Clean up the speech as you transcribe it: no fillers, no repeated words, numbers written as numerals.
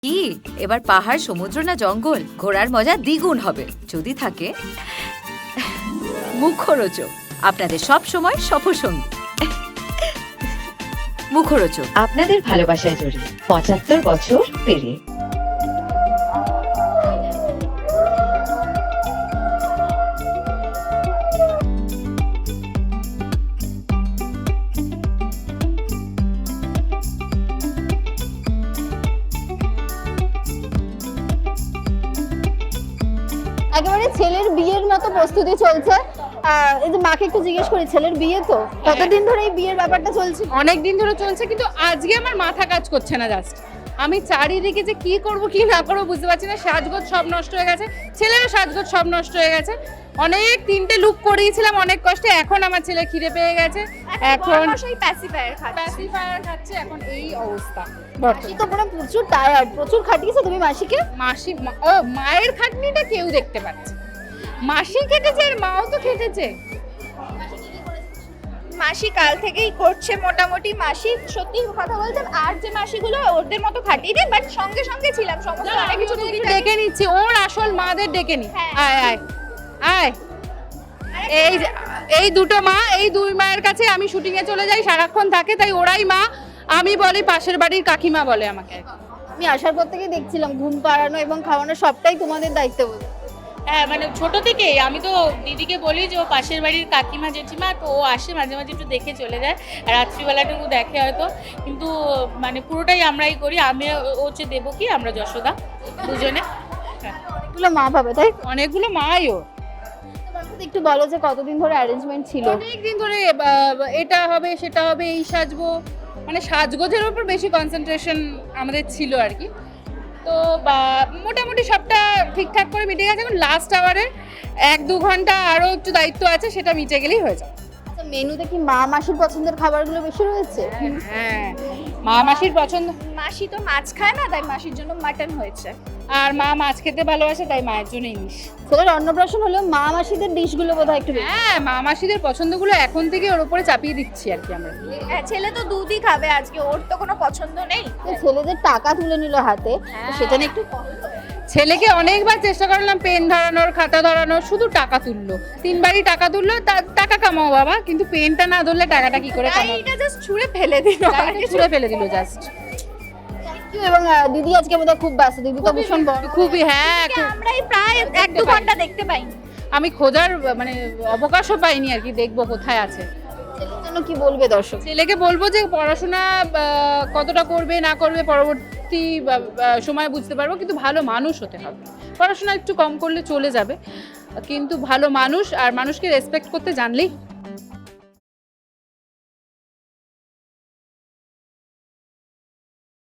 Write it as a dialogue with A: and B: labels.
A: কি এবার পাহাড়, সমুদ্র না জঙ্গল? ঘোরার মজা দ্বিগুণ হবে যদি থাকে মুখরোচক, আপনাদের সব সময় সফরসঙ্গী। মুখরোচক
B: আপনাদের ভালোবাসায় জড়িয়ে ৭৫ বছর পেরিয়ে।
C: একেবারে ছেলের বিয়ের মতো প্রস্তুতি চলছে। এই যে মাকে একটু জিজ্ঞেস করি, ছেলের বিয়ে তো কতদিন ধরে এই বিয়ের ব্যাপারটা চলছে?
D: অনেক দিন ধরে চলছে, কিন্তু আজকে আমার মাথা কাজ করছে না। জাস্ট আমি চারিদিকে যে কি করব কি না করবো বুঝতে পারছি না। সাজগোজ সব নষ্ট হয়ে গেছে, ছেলেরও সাজগোজ সব নষ্ট হয়ে গেছে। অনেক 3টে লুক করিয়েছিলাম অনেক কষ্টে, এখন আমার ছেলে খিদে পেয়ে গেছে, এখন প্যাসিফায়ার খাচ্ছে, এখন এই অবস্থা।
C: মাসি তো পুরো প্রচুর টায়ার্ড, প্রচুর খাটিয়েছো তুমি মাসিকে।
D: মায়ের খাটনিটা কেউ দেখতে পাচ্ছে, মাসি খেটেছে আর মাও তো খেটেছে।
E: মাসি কাল থেকেই করছে মোটামুটি। মাসি সত্যি কথা বলতে আর যে মাসিগুলো ওদের মতো খাটিয়ে দেয়, বাট সঙ্গে সঙ্গে ছিলাম সমস্ত অনেক কিছু
D: ডেকে নিচ্ছি, ওর আসল মাদের ডেকে নি।
E: হ্যাঁ।
D: আয় আয় আয়, এই দুটো মা, এই দুই মায়ের কাছে আমি শুটিং এ চলে যাই, সারাক্ষণ থাকে, তাই ওরাই মা। আমি বলি পাশের বাড়ির কাকিমা বলে আমাকে।
C: আমি আসার পর থেকে দেখছিলাম ঘুম পাড়ানো এবং খাওয়ানো সবটাই তোমাদের দায়িত্ব বলে।
F: হ্যাঁ, মানে ছোট থেকেই আমি তো দিদিকে বলি যে ও পাশের বাড়ির কাকিমা জেঠিমা, তো ও আসে মাঝে মাঝে একটু দেখে চলে যায়, রাত্রিবেলাটুকু দেখে হয়তো, কিন্তু মানে পুরোটাই আমরাই করি। আমি ও হচ্ছে দেবকী, আমরা যশোদা দুজনে।
C: এগুলো মা পাবে তাই?
D: অনেকগুলো মাই ও।
C: তোমাকে একটু বলো যে কতদিন ধরে অ্যারেঞ্জমেন্ট ছিল?
D: অনেকদিন ধরে এটা হবে সেটা হবে, এই সাজবো, মানে সাজগোজের উপর বেশি কনসেন্ট্রেশন আমাদের ছিল আর কি। তো মোটামুটি সবটা ঠিকঠাক করে মিটে গেছে। এখন লাস্ট আওয়ারে 1-2 ঘন্টা আরও একটু দায়িত্ব আছে, সেটা মিটে গেলেই হয়ে যাবে।
C: আচ্ছা, মেনুতে কি মা মাসির পছন্দের খাবারগুলো বেশি রয়েছে?
D: হ্যাঁ, মা মাসির পছন্দ।
E: মাসি তো মাছ খায় না, তাই মাসির জন্য মাটন হয়েছে।
D: আর মা মাছ খেতে ভালোবাসে, তাই মায়ের জন্য ইলিশ।
C: ছেলের অন্নপ্রাশন হলেও মা মাসিদের ডিশগুলো বোধহয় একটু বেশি।
D: হ্যাঁ, মা মাসিদের পছন্দগুলো এখন থেকে ওর উপরে চাপিয়ে দিচ্ছি আর কি আমরা।
E: হ্যাঁ, ছেলে তো দুধই খাবে আজকে, ওর তো কোনো পছন্দ নেই।
C: ছেলেদের টাকা তুলে নিল হাতে, তো সেটা নিয়ে একটু
D: ছেলেকে অনেকবার চেষ্টা করলাম পেন ধরানোর, খাতা ধরানোর, শুধু টাকা তুললো। 3বারই টাকা তুললো, টাকা কামাও বাবা, কিন্তু পেনটা না ধরলে টাকাটা কি করে
E: তাই
D: কামাও?
E: এটা জাস্ট ছুঁড়ে ফেলে দিল,
D: ছুঁড়ে ফেলে দিল জাস্ট।
C: এবং দিদি আজকে বোধহয় খুব ব্যস্ত। দিদি তো ভীষণ বড়।
D: খুবই, হ্যাঁ,
E: আমরাই প্রায় 1-2 ঘন্টা দেখতে পাই।
D: আমি খোঁজার মানে অবকাশও পাইনি আর কি, দেখবো কোথায় আছে।
C: ছেলের জন্য কি বলবে দর্শক?
D: ছেলেকে বলবো যে পড়াশোনা কতটা করবে না করবে পরবর্তী সময় বুঝতে পারবো, কিন্তু ভালো মানুষ হতে হবে। পড়াশোনা একটু কম করলে চলে যাবে, কিন্তু ভালো মানুষ আর মানুষকে রেসপেক্ট করতে জানলেই